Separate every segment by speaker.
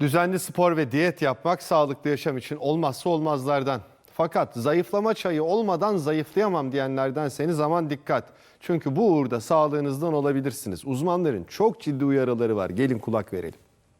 Speaker 1: Düzenli spor ve diyet yapmak sağlıklı yaşam için olmazsa olmazlardan. Fakat zayıflama çayı olmadan zayıflayamam diyenlerdenseniz aman dikkat. Çünkü bu uğurda sağlığınızdan olabilirsiniz. Uzmanların çok ciddi uyarıları var. Gelin kulak verelim.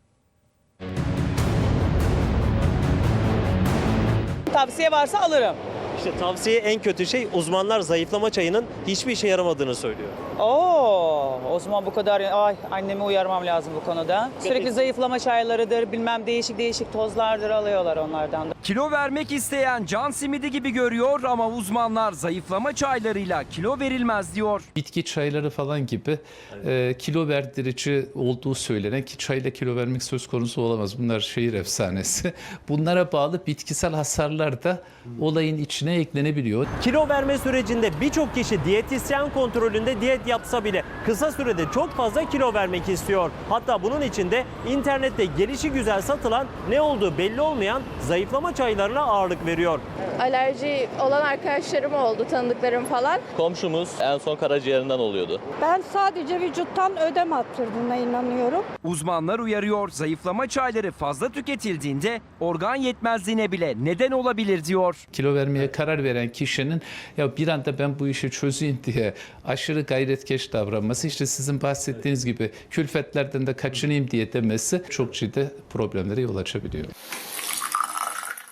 Speaker 2: Tavsiye varsa alırım.
Speaker 3: İşte tavsiye en kötü şey uzmanlar zayıflama çayının hiçbir işe yaramadığını söylüyor.
Speaker 2: O zaman bu kadar. Ay, annemi uyarmam lazım bu konuda. Sürekli zayıflama çaylarıdır, bilmem değişik tozlardır alıyorlar onlardan da.
Speaker 4: Kilo vermek isteyen can simidi gibi görüyor ama uzmanlar zayıflama çaylarıyla kilo verilmez diyor.
Speaker 5: Bitki çayları falan gibi kilo verdirici olduğu söylenen ki çayla kilo vermek söz konusu olamaz. Bunlar şehir efsanesi. Bunlara bağlı bitkisel hasarlar da olayın içine eklenebiliyor.
Speaker 3: Kilo verme sürecinde birçok kişi diyetisyen kontrolünde diyet yapsa bile kısa sürede çok fazla kilo vermek istiyor. Hatta bunun için de internette gelişigüzel satılan ne olduğu belli olmayan zayıflama çaylarına ağırlık veriyor.
Speaker 6: Alerji olan arkadaşlarım oldu, tanıdıklarım falan.
Speaker 7: Komşumuz en son karaciğerinden oluyordu.
Speaker 8: Ben sadece vücuttan ödem attırdığına inanıyorum.
Speaker 4: Uzmanlar uyarıyor, zayıflama çayları fazla tüketildiğinde organ yetmezliğine bile neden olabilir diyor.
Speaker 5: Kilo vermeye karar veren kişinin ya bir anda ben bu işi çözeyim diye aşırı gayretkeş davranması, işte sizin bahsettiğiniz gibi külfetlerden de kaçınayım diye demesi çok ciddi problemlere yol açabiliyor.